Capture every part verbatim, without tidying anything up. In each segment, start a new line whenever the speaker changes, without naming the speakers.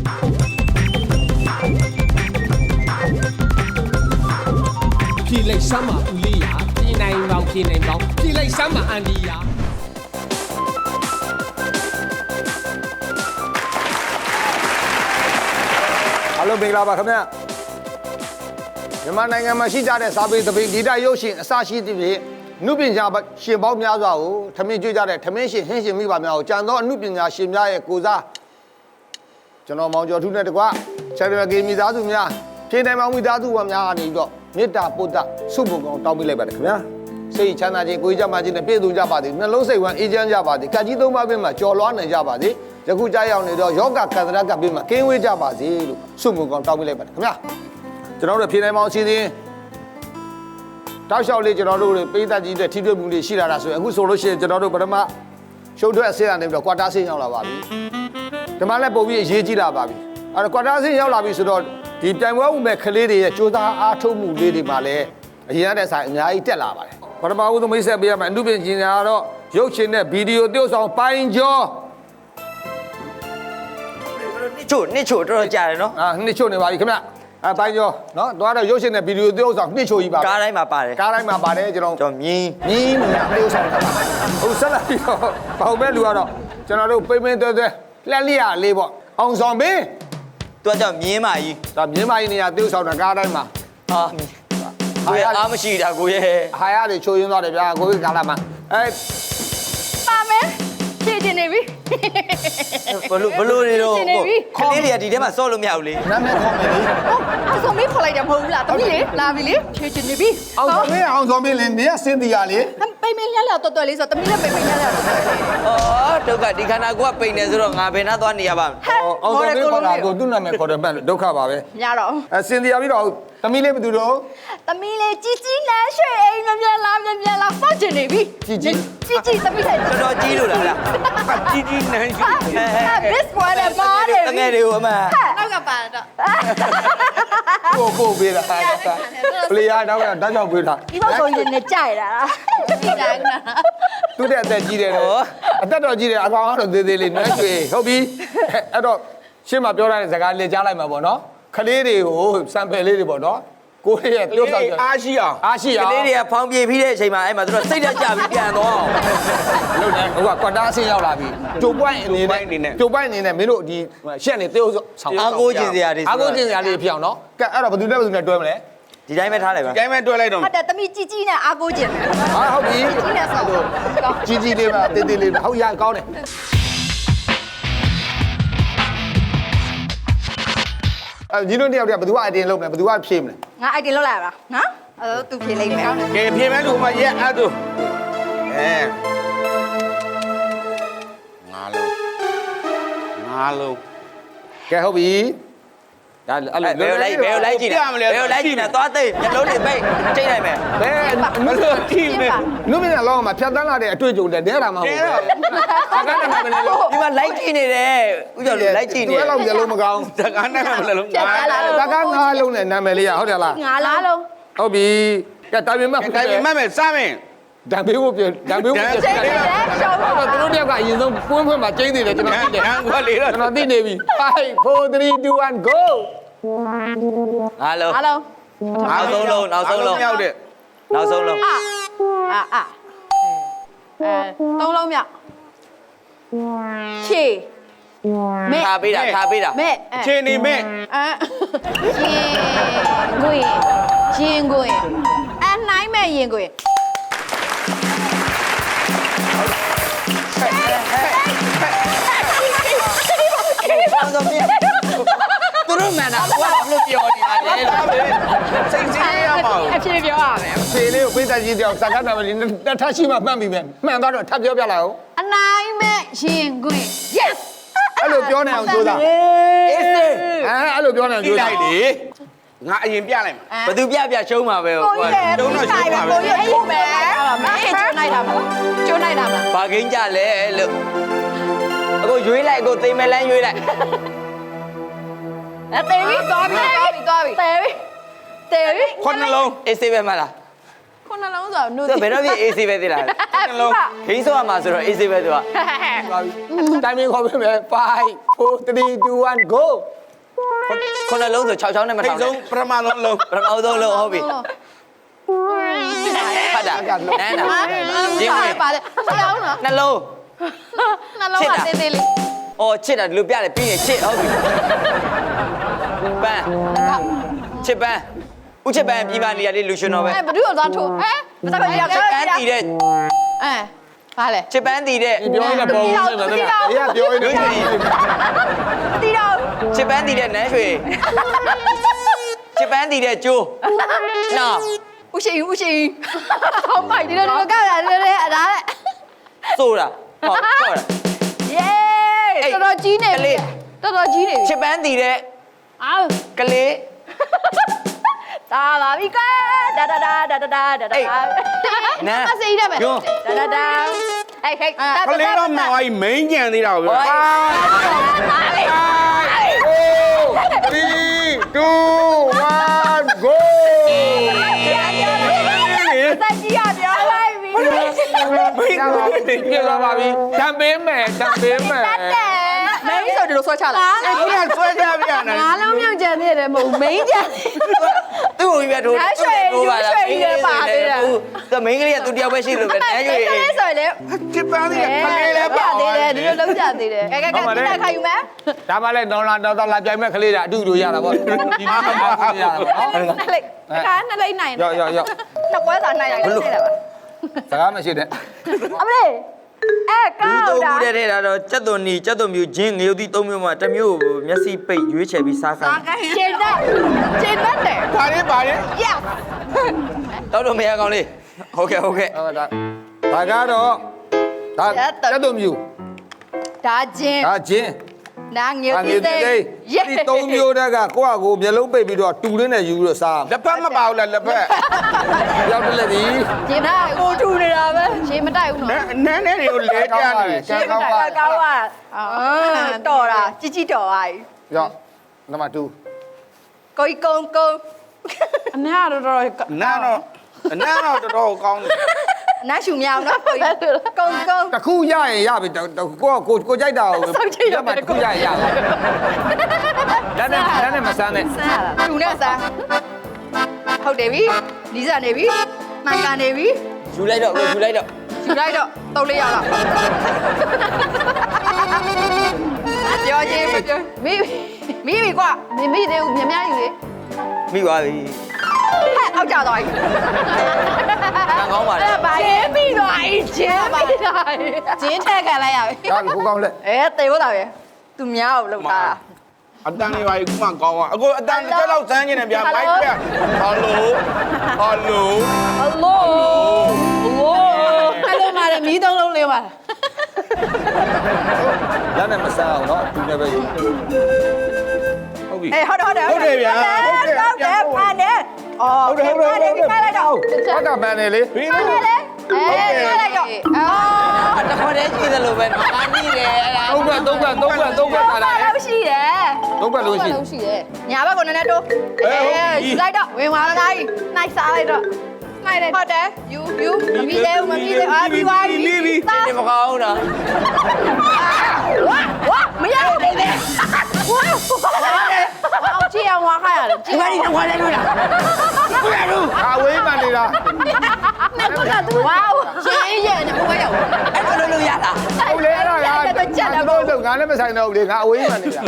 ဖြေလိုက်စမ်းပါဦးလေးရာပြည်နိုင်ပေါင်းပြည်နိုင်ပေါင်းဖြေလိုက်စမ်းပါအန်ဒီယာ
အားလုံးမင်္ဂလာပါခင်ဗျာမြန်မာနိုင်ငံမှာရှိကြတဲ့စာပေသပိတ်ဂီတရုပ်ရှင်အစရှိသဖြင့်အနုပညာရှင်ပေါင်းများစွာကိုထမင်းကျွေးကြတဲ့ထမင်းရှင်ဟင်းရှင်မိဘများကိုကြံသောအနုပညာရှင်များရဲ့ကိုစားကျွန်တော်မောင်ကျော်ထူးနဲ့တကွချန်ပီယံဂေးမိသားစုများဖြေနိုင်မောင်မိသားစုဝင်များကနေပြီးတော့မေတ္တာပုဒ်ဆုဘုံကောင်တောင်းပေးလိုက်ပါတယ်ခင်ဗျာစိတ်ချမ်းသာခြင်းကိုယ်ကြမ်းမာခြင်းနဲ့ပြည့်စုံကြပါစေနှလုံးစိတ်ဝမ်းအေးချမ်းကြပါစေကကြီးသုံးပါးပြင်မှာကြော်လွှားနိုင်ကြပါစေယခုကြားရောက်နေတော့ယောဂကန္တရကပြင်မှာကင်းဝေးကြပါစေလို့ဆုဘုံကောင်တောင်းပေးလိုက်ပါတယ်ခင်ဗျာကျွန်တော်တို့ဖြေနိုင်မောင်အစီအစဉ်တောက်လျှောက်လေးကျွန်တော်တို့ပေးသက်ကြီးတဲ့ထိတွေ့မှုတွေရှိလာတာဆိုရင်အခုဆိုလို့ရှိရင်ကျွန်တော်တို့ပထမရှုပ်ထွက်အဆင့်ကနေပြီးတော့ကွာတာဆင့်ရောက်လာပါပြီဒီမှာလည်းပုံပြီးအရေးကြီးလာပါပြီအဲ့တော့ကွာတာဆင့်ရောက်လာပြီဆိုတော့ဒီပြိုင်ပွဲဥမဲ့ကလေးတွေရဲ့စူးစမ်းအားထုတ်မှုလေးတွေမှာလည်းအရင်ကတည်းကဆိုင်အများကြီးတက်လာပါတယ်ပထမဦးဆုံးမိတ်ဆက်ပေးရမယ်အနုပညာကတော့ရုပ်ရှင်နဲ့ဗီဒီယိုသရုပ်ဆောင်ပိုင်ကျော်
နှစ်ချို့နှစ်ချို့တော်တော်ကြာတယ်နော်
အာနှစ်ချို့နေပါပြီခင်ဗျအဲပိုင်ကျော်နော်သွားတော့ရုပ်ရှင်နဲ့ဗီဒီယိုသရုပ်ဆောင်နှစ်ချို့ကြီးပါ
ကားတိုင်းမှာပါတယ်
ကားတိုင်းမှာပါတယ်ကျွန်တော်
ကျွန်တော်မြင်း
မြင်းမြင်းသရုပ်ဆောင်ဟုတ်ဆက်လာပြီးတော့ပေါင်မဲ့လူကတော့ကျွန်တော်တို့ပိမ့်ပိမ့်သွဲသွဲလက်လျာလေးပေါ့အောင်ဆောင်မင်း
သူကကြောင့်မြင်းမာကြီး
ဒါမြင်းမာကြီးနေရာသရုပ်ဆောင်တာကားတိုင်းမှာ
ဟာကိုရအားမရှိတာကိုရဲ့
ဟာရတွေချိုးရင်းသွားတယ်ဗျာကိုကြီးကာလာမှာအဲ
ပါမယ်ဖြည့်တင်နေပြီ
ဘလို့ဘလို့နေတော့ခလေးတွေကဒီထဲမှာစော့လို့မရဘူးလေ
နာမည်ခေါ်မယ်လေ
အောင်ဆုံးမင်းခေါ်လိုက်တယ်မဟုတ်ဘူးလားတမီးလေလာပြီလေဖြည့်တင်နေပြီ
အောင်ဆုံးမင်းအောင်ဆုံးမင်းလေနေရစင်တီယာလေ
ပိမ့်မင်းလျက်လျက်တော်တော်လေးဆိုတမီးလည်းပိမ့်မင်းလျက်လျက်တော်တော်လေး
အော်ဒုက္ခဒီခန္ဓာကိုယ်ကပိန်နေဆိုတော့ငါဘယ်နှသွားနေရပါ့မလဲ
အောင်ဆုံးမင်းခေါ်တာကိုသူ့နာမည်ခေါ်တယ်မှဒုက္ခပါပဲ
ညတော့
အဲစင်တီယာပြီးတော့တမီးလေးဘယ်သူတော့
တမီးလေးကြီးကြီးနန်းရွှေအိမ်မြန်မြန်လာမြန်မြန်လာစော့ကျင်နေပြီ
ကြီးကြီး
ကြီးကြီးတမီးလေး
တော်တော်ကြီးလို့လားကြီးကြီးနန်းရွှေ
this one ပါတယ်
တငယ်တွေကိုအမ
နောက်ကပါ
ကို
တော့
ကိုပေးတာပလေယာနောက်ကတောက်ချောက်ပေးတာ
ဒီတော့ဆိုရင်လည်းကြိုက်တာဒီတိုင်းက
သူ့တဲ့အသက်ကြီးတယ်တော့အသက်တော်ကြီးတယ်အကောင်ကတော့သေးသေးလေးနွမ်းကျွေဟုတ်ပြီအဲ့တော့ရှင်းမပြောတဲ့စကားလေးကြားလိုက်မှာပေါ့နော်ခလေးတွေကိုစံပယ်လေးတွေပေါ့နော်ကိုယ့်ရဲ့တိုးဆောက်ကြ
အားရှိအောင်
အားရှိအောင်
ကလေးတွေကဖောင်းပြေးပြီးတဲ့အချိန်မှာအဲ့မှာသူတို့စိတ်တက်ကြပြီးပြန်တော့
လို့နေဟိုကကွာတာဆင်းရောက်လာပြီကျုပ်ပွိုင်းအနေနဲ့ကျုပ်ပွိုင်းအနေနဲ့မင်းတို့ဒီရှက်နေတေးဆောင်
အားကိုးကျင်စရာတွေ
အားကိုးကျင်စရာလေးဖြစ်အောင်နော်ကဲအဲ့တော့ဘယ်သူနဲ့ဘယ်သူနဲ့တွဲမလဲ
ဒီတိုင်းပဲထားလိုက်ပါ
ဒီတိုင်းပဲတွဲလိုက်တော့
ဟုတ်တယ်တမီးကြီးကြီးနဲ့အားကိုးကျင်တယ်
ဟာဟုတ်ပြီ
ကြီးနဲ့ဆောက်
ကြီးကြီးလေးပါတေးသေးလေးဟုတ်ရကောင်းတယ်အဲညီတို့တယောက်တည်းဘယ်သူကအတင်လုပ်မလဲဘယ်သူကဖြေမလဲ
ငါအိုက်တင်လောက်လာပါနော်အဲတော့သူဖြေလိုက်မယ်
ကဲဖြေမယ်လူမရဲ့အဲ့ဒါအဲငါလုံးငါလုံး
ကဲဟုတ်ပြီဒါအဲ့လို
ဘယ်လိုက်ဘယ်လိုက်ကြည့်နေဘယ်လိုက်ကြည့်နေသွားသိမျက်လုံးတွေပိတ်ချိန်လိုက်မယ်
ဘယ်မလို့ကြည့်မယ်နုမင်းကလောကမှာဖြတ်တန်းလာတဲ့အတွေ့အကြုံတဲ့တဲတာမဟုတ်ဘူးစကားနဲ့မလဲလို့
ဒီမှာလိုက်ကြည့်နေတယ်ဥကျော်လူလိုက်ကြည့်နေ
တယ်သူအဲ့လောက်မျက်လုံးမကောင်း
စကားနဲ့မလဲလို့ငါ
စကားငါလုံးနဲ့နာမည်လေးရဟုတ်တယ်လား
ငါလားလုံး
ဟုတ်ပြီကဲတာမင်မတ်
တိုင်မတ်မယ်စမ်းမယ်
ဒံဘေးကိုပြန်ဒံဘေးကိုပြန်
ချိန်တယ်ရှောင်း
တော့သူတို့တယောက်ကအရင်ဆုံးပွင့်ဖွင့်မှာကျင်းနေတယ်ကျွန်တော်သိတယ်
ငါကလေးတော့
ကျွန်တော်သိနေပြီfive four three two one go
အားလုံး
အားလုံး
နောက်ဆုံးလုံးနောက်ဆုံးလုံး
မြောက်တဲ့
နောက်ဆုံးလုံး
အာအာအာအဲသုံးလုံးမြောက်ချေ
မဲထားပေးတာထားပေးတာ
မဲ
ချေနေမဲ
အဲရင်ကိုရင်ကိုအနိုင်မဲ့ရင်ကို
အောင်ဆုံးမြေသူတို့မှန်တာဘာလို့ပြောနေတာလဲ
စိတ်ကြီးရမှာ
အဖြေပြောရမယ်
အဖြေလေးကိုပေးသက်ကြီးတယောက်စကားနာမည်တစ်ထပ်ရှိမှမှတ်ပြီပဲမှန်သွားတော့ထပ်ပြောပြလိုက်အောင်
အနိုင်မဲ့ရင်ကို yes
အဲ့လိုပြောနေအောင်ကြိုးစား
အေးစေး
အဲအဲ့လိုပြောနေအောင်ကြိုးစား
လိုက်လေငါအရင်ပြလိုက်မှာ
ဘသူပြပြရှုံးမှာပဲ
ကိုကြီးတုံးတော့ရှုံးမှာပဲကိုကြီးအဲ့ပဲမအေးကျိုးနိုင်တာမလားကျိုးနိုင်တာမလား
ဘာကိန်းကြလဲလို့အခုရွေးလိုက်အခုသိမဲလန်းရွေးလိုက်
အဲတေးပြီးသွားပြီသွားပြီသွားပြီတေးပြီးတေးပြီး
ခုနှလုံး
အေးစေးပဲမလား
ခုနှလုံးဆိုနု
သူဘယ်တော့ပြ A C ပဲသိလားနှလုံးခင်းဆိုရမှာဆိုတော့ A C ပဲသူက
တိုင်းမင်းခေါ်ပေးမယ်five four three two one go
ခုနှလုံးဆို၆ချောင်းနဲ့မ
ထိ
ထော
တ်
င်
ဆုံးပထမဆုံးလုံး
ပထမဆုံးလုံးဟုတ်ပြီဖတ်တာနန်းနာရင်းဝင်
ပါလေဆရာဦးနော်
နှလုံး
နှလုံးကသေးသေးလေး
အော်ချစ်တာလူပြတယ်ပြီးရင်ချစ်ဟုတ်ပြီပန်းချစ်ပန်းဦးချစ်ပန်းပြီးပါနေရလေးလူရှင်တော်ပဲ
အဲဘ누구သွားထိုးဟမ်မစပါရ
ချစ်ပန်းတည်တဲ့
အဲဘာလဲ
ချစ်ပန်းတည်တဲ့
ပြောရင်လည်းပေါ်ဦးနေမှာတဲ့အေးကပြောရင်
လူ
လည်း
ရှင်
တီတော့
ချစ်ပန်းတည်တဲ့နန်းရွှေချစ်ပန်းတည်တဲ့ကျိုးနော်
ဦးရှိဦးရှိဟောင်းပိုက်ဒီလိုလိုကောက်ရတယ်လေအဲ့ဒါလေ
ဆိုတာဟုတ်ဟုတ်
ယေးတော်တော်ကြီးနေပြီတော်တော်ကြီးနေပြီ
ချစ်ပန်းတည်တဲ့
အာ
ကလေး
ဒါပါပြီကွာဒါဒါဒါဒါဒါဒါဒါမစိတယ်မယ်ဒါဒါဒါဟဲ့ဟဲ့
ကလေးတော့မှန်သွားပြီမိန်းကြံသေးတာကိုပြော
three two one go
တက်ကြီးရပြောလိုက်ပြီ
မိန်းသွားပြီ
ပြေလာပါပြီတံပေးမယ်တံပေးမယ်
မင်းဆိုဒီလိုဆွဲချလာ
ခုနဆွဲကြပြရတယ်
ငါးလုံးမြောက်ကြံနေတယ်မဟုတ်မင်းကြံ
သူ့ကိုပြထိုး
သူ
မိန်းကလေးကသူတယောက်ပဲရှိလို့ပဲနန်းရွှေ
ကလေးဆိုရင်လေ
ချစ်ပန်းသေးတယ်ကလေးလည်း
ပြ
ပါ
သေးတယ်ဒီလိုလုံးကြသေးတယ်ကဲကဲကဲဒီနေ့ခါယူမယ်
ဒါမှလည်းတော့လာတော့လာပြိုင်မဲ့ကလေးတာအတူတူရတာပေါ့ဒီမှာရတာပေါ့နော်
နှစ်လိတ်ခါနှစ်လိတ်နိုင်
ရောက်ရောက်ရောက်
နှစ်ပွဲစာနိုင်ရတယ်သိတယ်ပါ
စကားမရှိနဲ့
အမလေးအဲကော
လူ
က်
သုံး
တာ
ခုတည်းထဲတာတော့စက်သွန်နီစက်သွန်မြူဂျင်းငရုတ်သီးသုံးမျိုးမှာတစ်မျိုးကိုမျက်စိပိတ်ရွေးချယ်ပြီးစားခိုင်း
ရှင်းတဲ့ရှင်းတဲ့
ပါလေပါလေ
yes
တော့တော့မရကောင်းလေးဟုတ်ကဲ့ဟုတ်ကဲ့
ဟုတ်ဒါဒါကတော့ဒါတက်တုံမြူ
ဒါချင်း
ဒါချင်း
နာငယ်
ဒါ
သေး
သေး
သေး
သေးဒီသုံးမျိုးတက်ကကိုယ့်အကိုမျက်လုံးပိတ်ပြီးတော့တူရင်းနဲ့ယူပြီးတော့စား
လက်ဖက်မပါဘူးလားလက်ဖက်
ရောက်တယ်လေဒီ
ရှင်းတာကိုထူနေတာပဲရှင်းမတိုက်ဘူးနော်
နန်းနဲ့တွေကိုလဲကြနေတယ်
ရှင်းမတိုက်ကောင်းပါအာတော်တာជីជីတော်ပါ
ရောက်နံပါတ်two
ကိုကုန်းကုန်းအနာတော်တော်
နားတော့နားတော့တော်တော်ကောင်းတယ်
အနာရှူမြောင်နော်ကိုကုန်းကုန်း
တစ်ခုရရင်ရပြီကိုကကိုကိုကြိုက်တာကိုမှတစ်ခုရရင်ရပြီလက်နဲ့လက်နဲ့မဆန်းနဲ့
ဆန်းရတာသူနဲ့ဆန်းဟုတ်တယ်ပြီနီးစပ်နေပြီမှန်ကန်နေပြီ
ယူလိုက်တော့ယူလိုက်တော့
ယူလိုက်တော့တုံးလေးရလားပြောချင်းမပြောမိမိမိကွာမိမိသေးဘူးမြများယူလေ
မိသွားပြီ
ဟဲ့အောက်ကြသွားပြီ
ကံကောင်းပါလေ
အဲ့ဘာကျင်းပြီးသွားပြီကျင်းပြီးသွားပြီကျင်းထက်ခံလိုက်ရပြီ
ဒါကိုကောင်းလက်
အဲတေဖို့တာပဲသူများကိုလောက်တာ
အတန်လေးပါခုမှကောင်းอ่ะအခုအတန်တစ်လောက်စမ်းနေတယ်ဗျာမိုက်ပြဟယ်လိုဟယ်လို
ဟယ်လိုဟယ်လိုမာရမီးသုံးလုံးလေးပါ
လက်နဲ့မဆန်းအောင်နော်သူလည်းပဲယူ
ဟုတ်ပြီ
အေးဟုတ်တယ်ဟုတ်တယ်
ဟုတ်တယ်ဗျာဟုတ်တယ်
ဟုတ်တယ်ဖန်တယ်အော်
ဟုတ်တယ်ဟုတ်တယ်
ဖန်လိုက်တော့
ဟုတ်တာပန်းနေလေ
ပြီး
ဖန်
တော့
တယ်လေအေးဖန်လိုက်တော့အော်
တခေါ်တည်းရှိသလိုပဲနော်အားကြီးတယ်အဲ့ဒါ
သုံးခွက်သုံးခွက်သုံးခွက်သုံးခွက်ထားတာလေ
လောက်ရှိတယ်
သုံးခွက်လို့ရှိ
လုံးရှိတယ်ညာဘက်ကနည်းနည်းတိုးအေးယူလိုက်တော့ဝင်သွားလိုက်နိုင်စားလိုက်တော့နိုင်တယ်ဟုတ်တယ်ယူယူမပြီးသေးဘူးမပြီးသေးအာပြီးသွားပြီ
ဒီမကောင်းတော့
ဝါဝါမရဘူးလေဝါအောင်ကြည့်အောင်ဝါခါရတယ်ကြည့်ပါဦးဝါလဲလို့လား
ဘယ်လိုအဝေးမှန်နေတာ
နဲ့ကတူဝါရှင်းရဲ့နဲ့ဘယ်ရောက်
အဲ့လိုလိုရတာ
ဟုတ်လေအဲ့ဒါကတော့တော့ငါလည်းမဆိုင်တော့ဘူးလေငါအဝေးမှန်နေတာ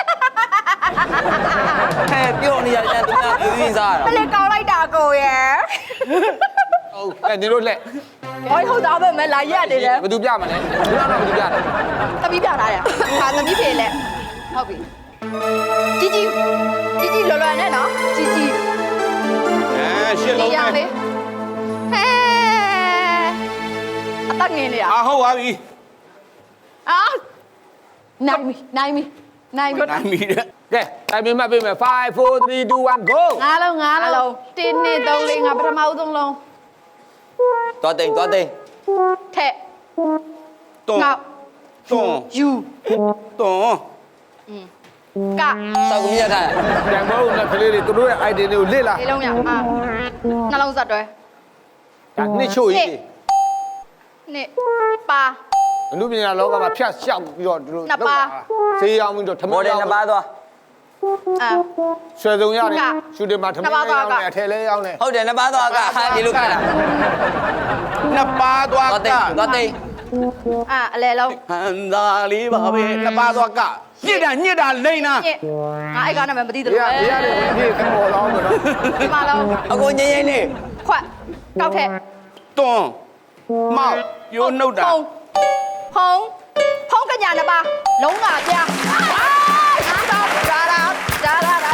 ဟဲ့ပြောနေရတယ်သူကပြည်ရင်းစားရ
မ
တာ
လေးကောင်းလိုက်တာကိုရဲ့
ဟုတ်အဲ့ဒီလိုလက်
ဟောဟုတ်သားပဲမလာရက်နေတယ်
ဘယ်သူပြမလဲဘယ်တော့ဘယ်သူပြလဲ
သမီးပြလာတယ်ဟာသမီးဖေလက်ဟုတ်ပြီជីជីជីជីလော်လော်နဲ့နော်ជីជី
အဲရှစ်
ဒီ
လုံး
ရ
နဲ့
လေးဟဲအတက်ငင်းနေရ
အာဟုတ်ပါပြီ
အာနိုင်ပြီနိုင်ပြီနိုင်ပြီ
နိုင်ပြီတဲ့
ကဲတိုင်ပြမှတ်ပေးမယ်five four three two one go
ငါးလုံးငါးလုံးတင်းနှစ်သုံးလေးငါပထမဦးဆုံးလုံး
သွားတိန်သွားတိန်
ထက်
တွန်း
ငေါ့
တွန်း
ယူ
တွန်း
က
စောက်ကြီးရထား
တန်မိုးနဲ့ကလေးတွေသူတို့ရဲ့ idea တွေကိုလစ်လာ
လေးလုံးရအာနှလုံးဆက်တွဲ
ဒါနှစ်ချို့ကြီး
နှစ်ပါ
အနုပညာလောကမှာဖြတ်လျှောက်ပြီးတော့ဒီလိုဈေးရောက်ပြီးတော့ထမ
မော်
င်း
ဒယ်
ရော
နှစ်ပါးသွား
အာ
ဆွဲစုံရတယ်ရှူတင်မှာထမင်းရောင်းတယ်အထည်လဲရောင်းတယ်
ဟုတ်တယ်နှစ်ပါးသွားကဟာဒီလိုခက်တာ
နှစ်ပါးသွား
သွား
က
တိတ်သွားတိတ်
အာအလဲလုံး
ဟန်သာလေးပါပဲနှစ်ပါးသွားကညစ်တာညစ်တာလိမ့်နာ
ညစ်ငါအဲ့ကောင်နာမည်မသိသ
ဒီ
လို
က
ပဲ
ဒီရတယ်ဒီကမော်လောင်းတော့
ဒီမှာလုံး
အကိုငိမ့်ငိမ့်လေး
ခွက်ကောက်ထက်
တွန်းမောက်ယိုးနှုတ်တာ
ဖုံဖုံဖုံကညာနှစ်ပါလုံးလာပြားဂျာလာဂျာလာဂျာ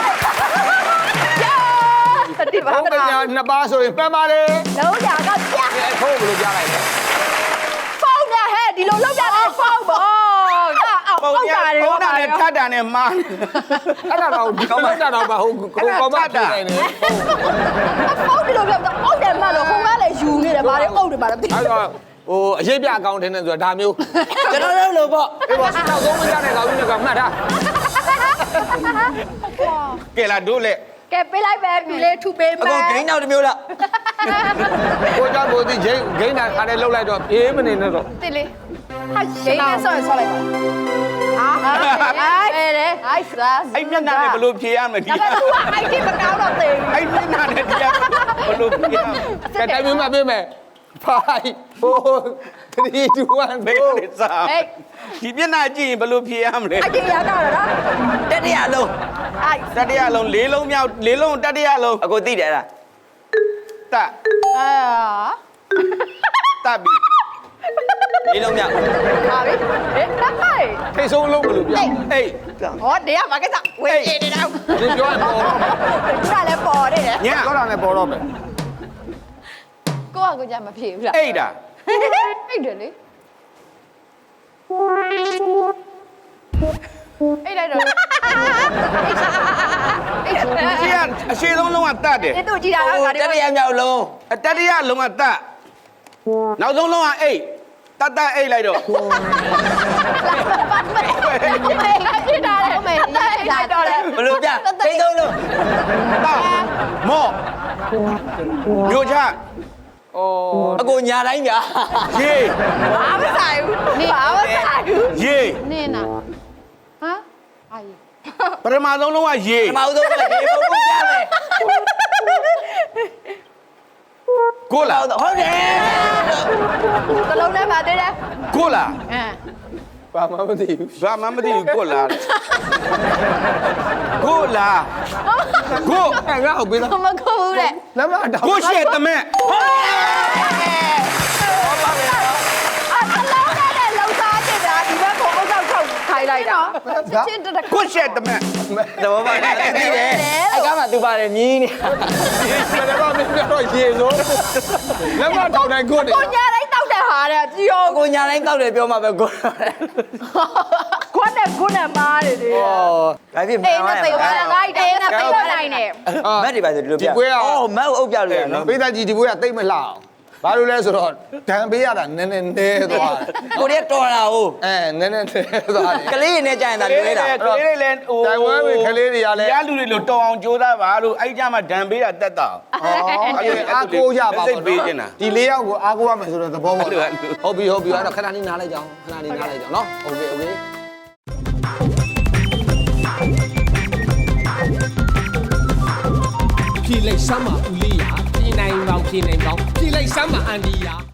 လာတိပါ
ဘုံကညာနှစ်ပါးဆိုရင်ပန်းပါလေ
လုံးလာကပြား
အဲထိုးဘယ်လိုကြားလိုက်လဲ
ဖုံနဲ့ဟဲ့ဒီလိုလောက်ကြတယ်ဖုံပေါ့ကအောက်
ပုံ
အောက်
ရ
ကြတယ်
ပုံတာနဲ့ထပ်တာနဲ့မား
အဲ့ဒါတော့ဒီကောင်းမတာတော့မဟုတ်ကိုကောင်းမပြနေတယ်
ဖုံဒီလိုပြောတော့အောက်တယ်မှလို့ခုံကလည်းယူနေတယ်ဗါလေအုပ်တယ်ဗါလေ
အဲ့တော့ဟိုအရေးပြအကောင့်ထင်းနေဆိုတာဒါမျိုး
ကျွန်တော်တို့လို့ပေါ့
အေးပါနောက်ဆုံးမကြတဲ့ကောင်ကြီးကမှတ်ထား
ကဲလာတို့လေ
ကဲပေးလိုက်ပဲပြီလေးထုပေး
အ
မယ်
ကိုဂိမ်းနောက်တစ်မျိုးလား
ကိုကြောင့်ကိုဒီဂိမ်းဂိမ်းတာခါနဲ့လှုပ်လိုက်တော့အေးမနေနဲ့တော့
တိလေးဟာဂိမ်းနဲ့ဆော့ဆော့လိုက်ပါဟာအဲ့လေဟိုက်စား
အဲ့မျက်နှာနဲ့ဘယ်လိုဖြေရမလဲဒီ
ဒါပေမဲ့ तू က ไอ ที မကောင်းတော့သေးဘူး
အဲ့မျက်နှာနဲ့ဒီကဘယ်လိုဖြေရမလဲ
ကဲတိုင်မင်းမပေးမယ်five four three two one
ဘယ်
go
လိုစား
ဟေး
ဒီမျက်နှာကြည့်ရင်ဘယ်လိုဖြေရမလဲ
ไอ ที ရတော့လား
တတိယလုံး
ไอ
တတိယလုံးလေးလုံးမြောက်လေးလုံးတတိယလုံး
အကိုသိတယ်လား
တ
အာ
တပြီ
လေးလုံးမြောက်
ဟာပြီဟေးတက်ပါ့
ထိတ်ဆုံးလုံးဘယ်လိုပြော
အေး
ဟောတရားမှာကိစ္စဝေးနေတော့
ဒီပြောရင်ပေါ်တော့
ခုနလည်းပေါ်နေတယ်
ည
ပြောတာနဲ့ပေါ်တော့မယ်
ကိုကကိုကြမဖြေဘူးလား
အိတ်တာ
အိတ်တယ်လေအိတ်လိုက်တော့အိတ်
ရှေ့ကအရှေ့ဆုံးလုံးကတတ်တယ်
ဒီတို့ကြည်တာက
ဟို
ငါ
တတိယမြောက်လုံး
အတတိယလုံးကတတ်နောက်ဆုံးလုံးကအိတ်တတ်တတ်အိတ်လိုက်တော့
မေငါကြည်တာလေမေလာတော့လေ
ဘလို့ပြဂိမ်းသုံးလုံး
တောက်မော့မျိုးချ
အော်
အကိုညာတိုင်းဗျာ
ရေ
ဘာမဆိုင်ဘူးနေဘာမဆိုင်ဘူး
ရေ
နေနာဟမ်အာရီ
ပထမဆုံးလုံးကရေ
ပထမဆုံးကရေပုံပုံပြမယ်
ကိုလာ
ဟုတ်တယ်
ကလုံးနဲ့ပါသေးတယ်
ကိုလာ
အမ်
ဘာမှမသိဘူး
ဘာမှမသိဘူးကိုလာကိုလာကို
အဲ့ငါ့ကိုပေးသား
မကူဘူးတဲ့
လက်မတောင်း
ကိုရှေ့တမဲ
အာတလုံးနဲ့လုံသားတင်တာဒီဘက်ကိုအုပ်ချုပ်ထုတ်ခိုင်းလိုက်တာချင်းတက်
ကိုရှေ့တမဲ
သဘောပေါက်တယ်သိတယ်အဲ့ကမှသူပါတယ်မြင်းနေ
ဘယ်တော့မှမပြောတော့ရေစိုးလက်မတောင်းနိုင်ကိုနေ
ကိုညာတိုင်းတောက်တဲ့ဟာတဲ့ကြည်ရော
အကိုညာတိုင်းတောက်တယ်ပြောမှပဲကို
ခွန်းနဲ့ခွန်းနဲ့မားတယ်လေ
ဩ
ဒါဖြစ်
အေးနဲ့ပိတ်သွားတာလိုက်တယ်နဲ့ပိတ်သွားနိုင်တယ်
မက်တွေပါဆိုဒီလိုပြအော်မက်ကိုအုပ်ပြလို့ရနော်
ပေးသားကြီးဒီဘွေးကတိတ်မလှအောင်ဘာလို့လဲဆိုတော့ဒဏ်ပေးရတာနည်းနည်းနဲသွားတယ်
ကိုရီးတော်လာဟုတ်
အဲနည်းနည်းနဲသွားတယ်
ကလေးနဲ့ကြာရင်ဒါလွဲတာ
ကလေးတွေလည်းဟို
တိုင်ဝမ်ပဲခလေးတွေကလည်း
ရလူတွေလို့တော်အောင်ကြိုးစားပါလို့အဲ့ကြမှာဒဏ်ပေးတာတက်တာ
อ๋อအားကိုရပါ
စိ
ဘော
တ်ပေးနေတာ
ဒီလေးယောက်ကိုအားကိုရမယ်ဆိုတော့သဘောပေါက်
အဲ့လိုအဲ့လို
ဟုတ်ပြီဟုတ်ပြီအဲ့တော့ခဏလေးနားလိုက်ကြအောင်ခဏလေးနားလိုက်ကြအောင်နော်โอเคโอเค
ဖြေလိုက်စမ်းပါဦးလေးရာပြည်နိုင်ပေါင်းပြည်နိုင်ပေါင်းဖြေလိုက်စမ်းပါအန်ဒီယာ